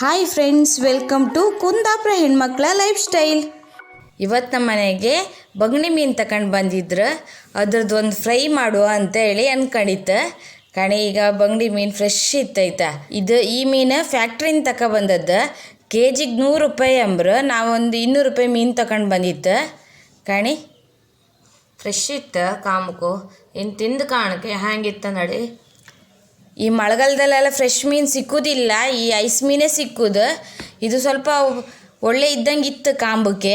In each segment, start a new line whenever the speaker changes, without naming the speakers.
Hi friends, welcome to Kundapura ಹೆಣ್ಮಕ್ಳ life style. ಇವತ್ತು ನಮ್ಮ ಮನೆಗೆ ಬಗಣಿ ಮೀನು ತಗೊಂಡು ಬಂದಿದ್ರು. ಅದ್ರದ್ದು ಒಂದು ಫ್ರೈ ಮಾಡುವ ಅಂತೇಳಿ ಅನ್ಕೊಂಡಿತ್ತು. ಕಣೆ ಈಗ ಬಗಣಿ ಮೀನು ಫ್ರೆಶ್ ಇತ್ತೈತ. ಈ ಮೀನು ಫ್ಯಾಕ್ಟ್ರಿಯಿಂದ ತಗೊಬಂದದ್ದು. ಕೆಜಿಗೆ 100 ರೂಪಾಯಿ ಅಂಬ್ರು. ನಾವೊಂದು 200 ರೂಪಾಯಿ ಮೀನು ತಗೊಂಡು ಬಂದಿತ್ತು. ಕಣಿ ಫ್ರೆಶ್ ಇತ್ತು. ಕಾಮಕು ಇನ್ನು ತಿಂದು ಕಾಣಕ್ಕೆ ಹ್ಯಾಂಗಿತ್ತು ನೋಡಿ. ಈ ಮಳೆಗಾಲದಲ್ಲೆಲ್ಲ ಫ್ರೆಶ್ ಮೀನು ಸಿಕ್ಕುವುದಿಲ್ಲ, ಈ ಐಸ್ ಮೀನೇ ಸಿಕ್ಕುದು. ಇದು ಸ್ವಲ್ಪ ಒಳ್ಳೆ ಇದ್ದಂಗೆ ಇತ್ತು ಕಾಂಬಕ್ಕೆ.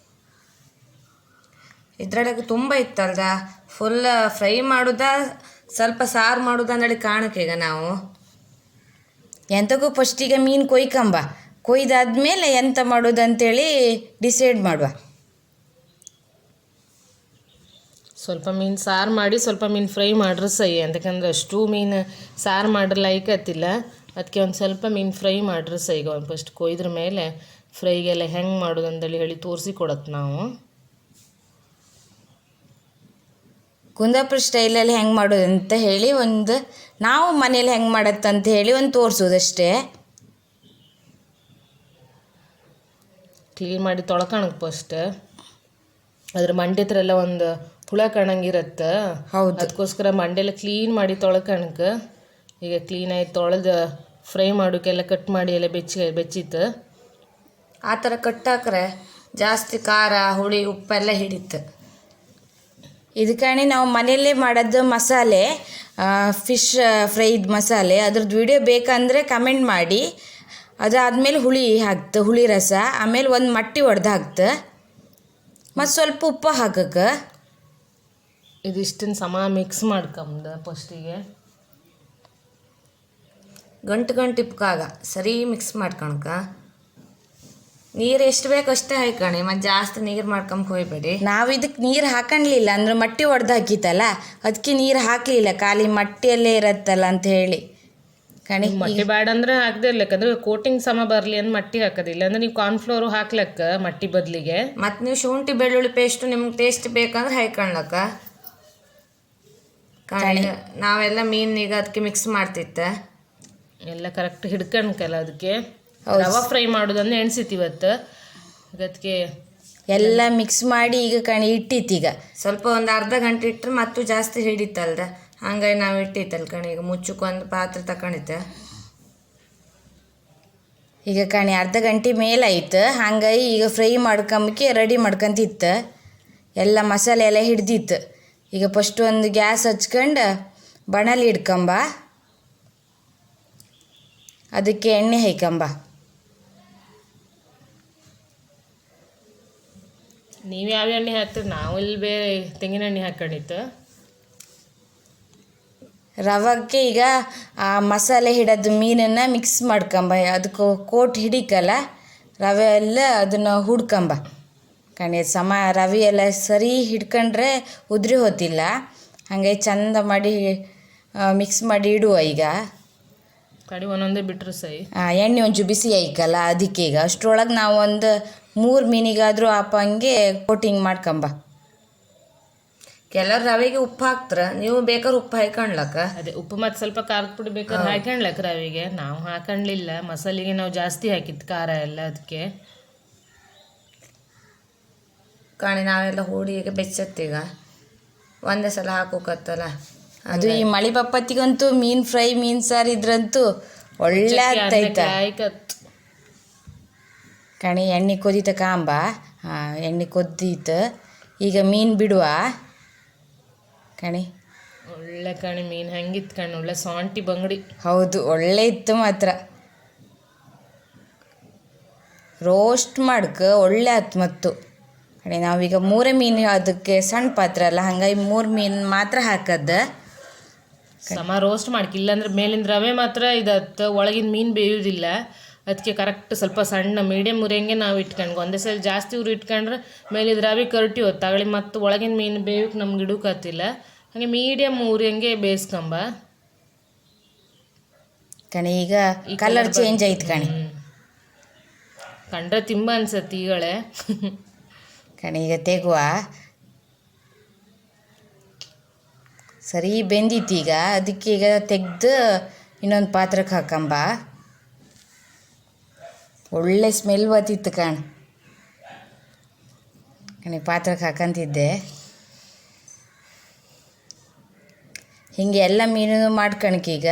ಇದ್ರೊಳಗೆ ತುಂಬ ಇತ್ತಲ್ದ. ಫುಲ್ ಫ್ರೈ ಮಾಡೋದ, ಸ್ವಲ್ಪ ಸಾರು ಮಾಡೋದ ಅಂದೇಳಿ ಕಾಣಕ್ಕೆ. ಈಗ ನಾವು ಎಂತಕ್ಕೂ ಫಸ್ಟಿಗೆ ಮೀನು ಕೊಯ್ದಾದ್ಮೇಲೆ ಎಂತ ಮಾಡೋದು ಅಂತೇಳಿ ಡಿಸೈಡ್ ಮಾಡುವ.
ಸ್ವಲ್ಪ ಮೀನು ಸಾರು ಮಾಡಿ ಸ್ವಲ್ಪ ಮೀನು ಫ್ರೈ ಮಾಡ್ರೆ ಸೈ. ಅಂತಕಂದ್ರೆ ಅಷ್ಟು ಮೀನು ಸಾರು ಮಾಡ್ರೆ ಲೈಕತ್ತಿಲ್ಲ. ಅದಕ್ಕೆ ಒಂದು ಸ್ವಲ್ಪ ಮೀನು ಫ್ರೈ ಮಾಡ್ರೆ ಸೈ. ಈಗ ಒಂದು ಫಸ್ಟ್ ಕೊಯ್ದ್ರ ಮೇಲೆ ಫ್ರೈಗೆಲ್ಲ ಹೆಂಗೆ ಮಾಡೋದು ಅಂತೇಳಿ ಹೇಳಿ ತೋರಿಸಿ ಕೊಡತ್ತೆ ನಾವು.
ಕುಂದಾಪುರ ಸ್ಟೈಲಲ್ಲಿ ಹೆಂಗೆ ಮಾಡೋದು ಅಂತ ಹೇಳಿ ನಾವು ಮನೇಲಿ ಹೆಂಗೆ ಮಾಡತ್ತಂತ ಹೇಳಿ ತೋರಿಸೋದಷ್ಟೇ.
ಕ್ಲೀನ್ ಮಾಡಿ ತೊಳ್ಕೊಳಕ್ಕೆ ಫಸ್ಟ್. ಅದ್ರ ಮಂಡೆ ಹತ್ರ ಎಲ್ಲ ಒಂದು ಹುಳ ಕಾಣಂಗಿರತ್ತೆ.
ಹೌದು,
ಅದಕ್ಕೋಸ್ಕರ ಮಂಡೆಲ್ಲ ಕ್ಲೀನ್ ಮಾಡಿ ತೊಳ್ಕಣಕ್ಕೆ. ಈಗ ಕ್ಲೀನಾಗಿ ತೊಳೆದು ಫ್ರೈ ಮಾಡೋಕ್ಕೆಲ್ಲ ಕಟ್ ಮಾಡಿ ಎಲ್ಲ ಬೆಚ್ಚಿತ್ತು.
ಆ ಥರ ಕಟ್ಟಾಕ್ರೆ ಜಾಸ್ತಿ ಖಾರ ಹುಳಿ ಉಪ್ಪೆಲ್ಲ ಹಿಡಿತು. ಇದಕ್ಕೆ ನಾವು ಮನೆಯಲ್ಲೇ ಮಾಡೋದು ಮಸಾಲೆ, ಫಿಶ್ ಫ್ರೈದ್ ಮಸಾಲೆ. ಅದ್ರದ್ದು ವಿಡಿಯೋ ಬೇಕಂದರೆ ಕಮೆಂಟ್ ಮಾಡಿ. ಅದಾದಮೇಲೆ ಹುಳಿ ರಸ, ಆಮೇಲೆ ಒಂದು ಮಟ್ಟಿ ಒಡೆದು ಹಾಕ್ತು, ಮತ್ತು ಸ್ವಲ್ಪ ಉಪ್ಪು ಹಾಕಕ್ಕೆ.
ಇದಿಷ್ಟನ್ನು ಸಮ ಮಿಕ್ಸ್ ಮಾಡ್ಕೊಂಬ ಫಸ್ಟಿಗೆ.
ಗಂಟು ಇಪ್ಕಾಗ ಸರಿ ಮಿಕ್ಸ್ ಮಾಡ್ಕೊಳಕ. ನೀರು ಎಷ್ಟು ಬೇಕು ಅಷ್ಟೇ ಹಾಕಣಿ, ಮತ್ತು ಜಾಸ್ತಿ ನೀರು ಮಾಡ್ಕೊಂಬ ಹೋಗ್ಬೇಡಿ. ನಾವು ಇದಕ್ಕೆ ನೀರು ಹಾಕಣ್ಲಿಲ್ಲ, ಅಂದ್ರೆ ಮಟ್ಟಿ ಒಡೆದು ಹಾಕಿತ್ತಲ್ಲ, ಅದಕ್ಕೆ ನೀರು ಹಾಕಲಿಲ್ಲ. ಖಾಲಿ ಮಟ್ಟಿಯಲ್ಲೇ ಇರತ್ತಲ್ಲ ಅಂತ ಹೇಳಿ. ಕಣಿ
ಮಟ್ಟಿ ಬೇಡ ಅಂದ್ರೆ ಹಾಕದೇ ಇರ್ಲಕ್ಕಂದ್ರೆ ಕೋಟಿಂಗ್ ಸಮ ಬರಲಿ ಅಂತ ಮಟ್ಟಿ ಹಾಕೋದಿಲ್ಲ. ಅಂದ್ರೆ ನೀವು ಕಾರ್ನ್ಫ್ಲೋರು ಹಾಕ್ಲಕ್ಕ ಮಟ್ಟಿ ಬದಲಿಗೆ.
ಮತ್ತು ನೀವು ಶುಂಠಿ ಬೆಳ್ಳುಳ್ಳಿ ಪೇಸ್ಟು ನಿಮ್ಗೆ ಟೇಸ್ಟ್ ಬೇಕಂದ್ರೆ ಹಾಕೊಳ್ಲಕ್ಕ. ಕಣಿ ನಾವೆಲ್ಲ ಮೀನಿಗೆ ಅದಕ್ಕೆ ಮಿಕ್ಸ್ ಮಾಡ್ತಿತ್ತು.
ಎಲ್ಲ ಕರೆಕ್ಟ್ ಹಿಡ್ಕಣಕಲ್ಲ. ಅದಕ್ಕೆ ರವಾ ಫ್ರೈ ಮಾಡೋದಂದ್ರೆ ಎಣ್ಸಿತ್ತು ಅದಕ್ಕೆ
ಎಲ್ಲ ಮಿಕ್ಸ್ ಮಾಡಿ ಈಗ ಕಣಿ ಇಟ್ಟಿತ್ತು. ಸ್ವಲ್ಪ ಒಂದು ಅರ್ಧ ಗಂಟೆ ಇಟ್ಟರೆ ಮತ್ತು ಜಾಸ್ತಿ ಹಿಡಿತಲ್ದ, ಹಂಗಾಗಿ ನಾವು ಇಟ್ಟಿತ್ತಲ್ಲ ಕಣಿ. ಈಗ ಮುಚ್ಚಕ್ಕೊಂದು ಪಾತ್ರೆ ತಗೊಂಡಿತ್ತು. ಈಗ ಕಣಿ ಅರ್ಧ ಗಂಟೆ ಮೇಲಾಯ್ತು. ಹಂಗಾಗಿ ಈಗ ಫ್ರೈ ಮಾಡ್ಕೊಂಬಕ್ಕೆ ರೆಡಿ ಮಾಡ್ಕೊಂತಿತ್ತು. ಎಲ್ಲ ಮಸಾಲೆ ಎಲ್ಲ ಹಿಡ್ದಿತ್ತು. ಈಗ ಫಸ್ಟ್ ಒಂದು ಗ್ಯಾಸ್ ಹಚ್ಕೊಂಡು ಬಣಲಿ ಇಡ್ಕೊಂಬ, ಅದಕ್ಕೆ ಎಣ್ಣೆ ಹಾಕಂಬ.
ನೀವು ಯಾವ ಎಣ್ಣೆ ಹಾಕ್ತೀರಿ? ನಾವು ಇಲ್ಲಿ ಬೇರೆ ತೆಂಗಿನ ಎಣ್ಣೆ ಹಾಕೊಂಡಿತ್ತು.
ರವಕ್ಕೆ ಈಗ ಆ ಮಸಾಲೆ ಹಿಡೋದು ಮೀನನ್ನು ಮಿಕ್ಸ್ ಮಾಡ್ಕೊಂಬ. ಅದಕ್ಕೆ ಕೋಟ್ ಹಿಡಿಕಲ್ಲ ರವೆ ಎಲ್ಲ, ಅದನ್ನು ಹುಡ್ಕೊಂಬ ಕಣಿ. ರವೆ ಎಲ್ಲ ಸರಿ ಹಿಡ್ಕೊಂಡ್ರೆ ಉದುರಿ ಹೋತಿಲ್ಲ. ಹಾಗೆ ಚಂದ ಮಾಡಿ ಮಿಕ್ಸ್ ಮಾಡಿ ಇಡುವ. ಈಗ
ಕಡಿ ಒಂದೊಂದೇ ಬಿಟ್ಟರು ಸೈ.
ಎಣ್ಣೆ ಒಂಚೂರು ಬಿಸಿ ಆಯ್ಕಲ್ಲ, ಅದಕ್ಕೆ ಈಗ ಅಷ್ಟರೊಳಗೆ ನಾವು ಒಂದು 3 ಮೀನಿಗಾದರೂ ಹಾಪಂಗೆ ಕೋಟಿಂಗ್ ಮಾಡ್ಕೊಂಬ. ಕೆಲವ್ರು ರವೆಗೆ ಉಪ್ಪು ಹಾಕ್ತಾರೆ, ನೀವು ಬೇಕಾದ್ರೆ ಉಪ್ಪು ಹಾಕೊಂಡ್ಲಕ್ಕ.
ಅದೇ ಉಪ್ಪು ಮತ್ತು ಸ್ವಲ್ಪ ಖಾರದ ಪುಡಿ ಬೇಕಾದ್ರೆ ಹಾಕೊಂಡ್ಲಕ್ಕ ರವೆಗೆ. ನಾವು ಹಾಕೊಂಡ್ಲಿಲ್ಲ, ಮಸಾಲೆಗೆ ನಾವು ಜಾಸ್ತಿ ಹಾಕಿತ್ತು ಖಾರ ಎಲ್ಲ. ಅದಕ್ಕೆ
ಕಾಣಿ ನಾವೆಲ್ಲ ಹೂಡಿಗೆ ಬೆಚ್ಚತ್ತೀಗ ಒಂದೇ ಸಲ ಹಾಕೋಕತ್ತಲ್ಲ. ಅದು ಈ ಮಳೆ ಬಪ್ಪತ್ತಿಗಂತೂ ಮೀನು ಫ್ರೈ, ಮೀನು ಸಾರು ಇದ್ರಂತೂ ಒಳ್ಳೆ ಆಗ್ತೈತ ಕಣಿ. ಎಣ್ಣೆ ಕೊದಿತ ಕಾಂಬ. ಎಣ್ಣೆ ಕೊದ್ದೀತು. ಈಗ ಮೀನು ಬಿಡುವ ಕಣಿ.
ಒಳ್ಳೆ ಕಣಿ ಮೀನು ಹೆಂಗಿತ್ತು ಕಣಿ, ಒಳ್ಳೆ ಸಾಂಟಿ ಬಂಗಡಿ.
ಹೌದು, ಒಳ್ಳೆ ಇತ್ತು ಮಾತ್ರ. ರೋಸ್ಟ್ ಮಾಡ್ಕ ಒಳ್ಳೆ ಆಯ್ತು. ಮತ್ತು ಕಣಿ ನಾವೀಗ 3 ಮೀನು, ಅದಕ್ಕೆ ಸಣ್ಣ ಪಾತ್ರೆ ಅಲ್ಲ, ಹಂಗಾಗಿ 3 ಮೀನು ಮಾತ್ರ ಹಾಕದ್ದು.
ಸಮ ರೋಸ್ಟ್ ಮಾಡ್ಕಿ, ಇಲ್ಲಾಂದ್ರೆ ಮೇಲಿಂದ ರವೆ ಮಾತ್ರ ಇದತ್ತು, ಒಳಗಿನ ಮೀನು ಬೇಯೋದಿಲ್ಲ. ಅದಕ್ಕೆ ಕರೆಕ್ಟ್ ಸ್ವಲ್ಪ ಸಣ್ಣ ಮೀಡಿಯಮ್ ಉರಿಯಂಗೆ ನಾವು ಇಟ್ಕೊಂಡು, ಒಂದೇ ಸಲ ಜಾಸ್ತಿ ಉರಿ ಇಟ್ಕೊಂಡ್ರೆ ಮೇಲಿದ ರವೆ ಕರಟಿ ಹೊತ್ತಾಗಲಿ ಮತ್ತು ಒಳಗಿನ ಮೀನು ಬೇಯೋಕೆ ನಮ್ಗೆ ಇಡೋಕತ್ತಿಲ್ಲ. ಹಾಗೆ ಮೀಡಿಯಮ್ ಉರಿಯಂಗೆ ಬೇಯಿಸ್ಕೊಂಬ
ಕಣಿ. ಈಗ ಕಲರ್ ಚೇಂಜ್ ಆಯ್ತು ಕಣಿ.
ಕಂಡ್ರೆ ತಿಂಬ ಅನ್ಸತ್ತೆ ಈಗಳೆ
ಕಣಿ. ಈಗ ತೆಗುವ. ಸರಿ ಬೆಂದಿತ್ತು ಈಗ. ಅದಕ್ಕೆ ಈಗ ತೆಗೆದು ಇನ್ನೊಂದು ಪಾತ್ರಕ್ಕೆ ಹಾಕಂಬ. ಒಳ್ಳೆ ಸ್ಮೆಲ್ ಬರ್ತಿತ್ತು ಕಣಿ ಪಾತ್ರಕ್ಕೆ ಹಾಕಂತಿದ್ದೆ. ಹೀಗೆ ಎಲ್ಲ ಮೀನು ಮಾಡ್ಕಣಕೀಗ.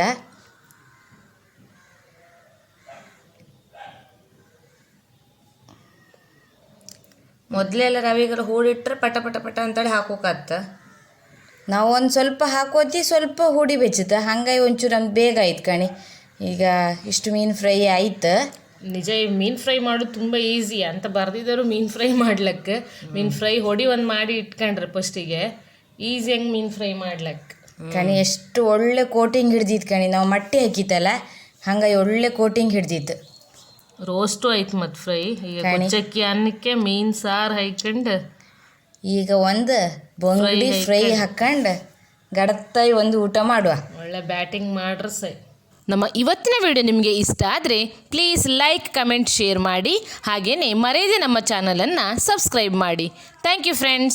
ಮೊದಲೆಲ್ಲ ರವೆಗೆಲ್ಲ ಹೂಡಿಟ್ರೆ ಪಟ ಪಟ ಪಟ ಅಂತೇಳಿ ಹಾಕೋಕತ್ತ.
ನಾವು ಒಂದು ಸ್ವಲ್ಪ ಹಾಕೋತಿ, ಸ್ವಲ್ಪ ಹೂಡಿ ಬೆಚ್ಚುತ್ತೆ, ಹಂಗಾಗಿ ಒಂಚೂರು ನಮ್ಗೆ ಬೇಗ ಆಯ್ತು ಕಣಿ. ಈಗ ಇಷ್ಟು ಮೀನು ಫ್ರೈ ಆಯ್ತು.
ನಿಜ ಈ ಮೀನು ಫ್ರೈ ಮಾಡೋದು ತುಂಬ ಈಸಿ ಅಂತ ಬರ್ದಿದ್ದರು ಮೀನು ಫ್ರೈ ಮಾಡ್ಲಿಕ್ಕೆ. ಮೀನು ಫ್ರೈ ಹೊಡಿ ಒಂದು ಮಾಡಿ ಇಟ್ಕೊಂಡ್ರೆ ಫಸ್ಟಿಗೆ ಈಸಿಯಾಗಿ ಮೀನು ಫ್ರೈ ಮಾಡ್ಲಿಕ್ಕೆ
ಕಣಿ. ಎಷ್ಟು ಒಳ್ಳೆ ಕೋಟಿಂಗ್ ಹಿಡ್ದಿತ್ತು ಕಣಿ. ನಾವು ಮಟ್ಟಿ ಹಾಕಿತ್ತಲ್ಲ, ಹಂಗಾಗಿ ಒಳ್ಳೆ ಕೋಟಿಂಗ್ ಹಿಡ್ದಿತ್ತು.
ರೋಸ್ಟು ಆಯ್ತು ಮತ್ತು ಫ್ರೈ. ಈಗ ಕುಚ್ಚಕ್ಕಿ ಅನ್ನಕ್ಕೆ ಮೀನು ಸಾರು ಹಾಕ್ಕೊಂಡು
ಈಗ ಒಂದು ಬಂಗುಡಿ ಫ್ರೈ ಹಾಕ್ಕೊಂಡು ಗಡತ್ತಾಯಿ ಒಂದು ಊಟ ಮಾಡುವ.
ಒಳ್ಳೆ ಬ್ಯಾಟಿಂಗ್ ಮಾಡ್ರೆ ಸೈ. ನಮ್ಮ ಇವತ್ತಿನ ವಿಡಿಯೋ ನಿಮಗೆ ಇಷ್ಟ ಆದರೆ ಪ್ಲೀಸ್ ಲೈಕ್, ಕಮೆಂಟ್, ಶೇರ್ ಮಾಡಿ. ಹಾಗೆಯೇ ಮರೆಯದೆ ನಮ್ಮ ಚಾನಲನ್ನು ಸಬ್ಸ್ಕ್ರೈಬ್ ಮಾಡಿ. Thank you friends.